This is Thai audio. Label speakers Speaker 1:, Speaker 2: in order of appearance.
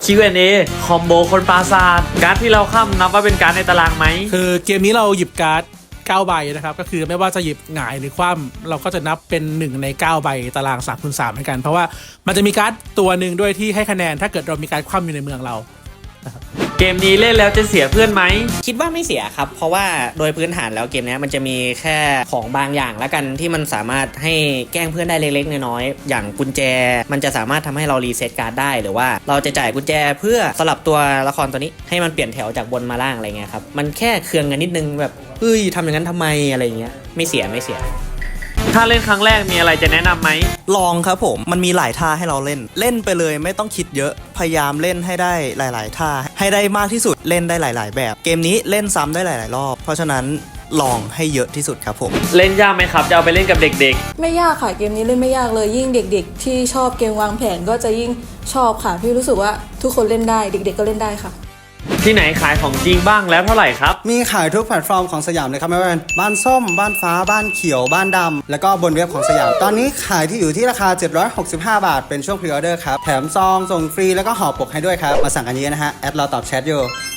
Speaker 1: Q&A คอมโบคนปราศาสตร์การ์ดที่เราข้ามนับว่าเป็นการ์ดในตารางไหม
Speaker 2: คือเกมนี้เราหยิบการ์ด9 ใบนะครับก็คือไม่ว่าจะหยิบหงายหรือคว่ำเราก็จะนับเป็น1ใน9 ใบตาราง3x3เหมือนกันเพราะว่ามันจะมีการ์ดตัวหนึ่งด้วยที่ให้คะแนนถ้าเกิดเรามีการคว่ำอยู่ในเมืองเรา
Speaker 1: เกมนี้เล่นแล้วจะเสียเพื่อนไหม
Speaker 3: คิดว่าไม่เสียครับเพราะว่าโดยพื้นฐานแล้วเกมนี้มันจะมีแค่ของบางอย่างแล้วกันที่มันสามารถให้แกล้งเพื่อนได้เล็กๆน้อยๆอย่างกุญแจมันจะสามารถทำให้เรารีเซ็ตการ์ดได้หรือว่าเราจะจ่ายกุญแจเพื่อสลับตัวละครตัวนี้ให้มันเปลี่ยนแถวจากบนมาล่างอะไรเงี้ยครับมันแค่เคืองกันนิดนึงแบบเฮ้ยทำอย่างนั้นทำไมอะไรเงี้ยไม่เสีย
Speaker 1: ถ้าเล่นครั้งแรกมีอะไรจะแนะนำไหม
Speaker 4: ลองครับผมมันมีหลายท่าให้เราเล่นไปเลยไม่ต้องคิดเยอะพยายามเล่นให้ได้หลายๆท่าให้ได้มากที่สุดเล่นได้หลายๆแบบเกมนี้เล่นซ้ำได้หลายๆรอบเพราะฉะนั้นลองให้เยอะที่สุดครับผม
Speaker 1: เล่นยากไหมครับจะเอาไปเล่นกับเด็ก
Speaker 5: ไม่ยากค่ะเกมนี้เล่นไม่ยากเลยยิ่งเด็กๆที่ชอบเกมวางแผนก็จะยิ่งชอบค่ะพี่รู้สึกว่าทุกคนเล่นได้เด็กๆก็เล่นได้ค่ะ
Speaker 1: ที่ไหนขายของจริงบ้างแล้วเท่าไหร่ครับ
Speaker 6: มีขายทุกแพลตฟอร์มของสยามเลยครับไม่ว่าเป็นบ้านส้มบ้านฟ้าบ้านเขียวบ้านดำแล้วก็บนเว็บของสยามตอนนี้ขายที่อยู่ที่ราคา765 บาทเป็นช่วงพรีออเดอร์ครับแถมซองส่งฟรีแล้วก็ห่อปกให้ด้วยครับมาสั่งกันเยอะนะฮะแอดเราตอบแชทอยู่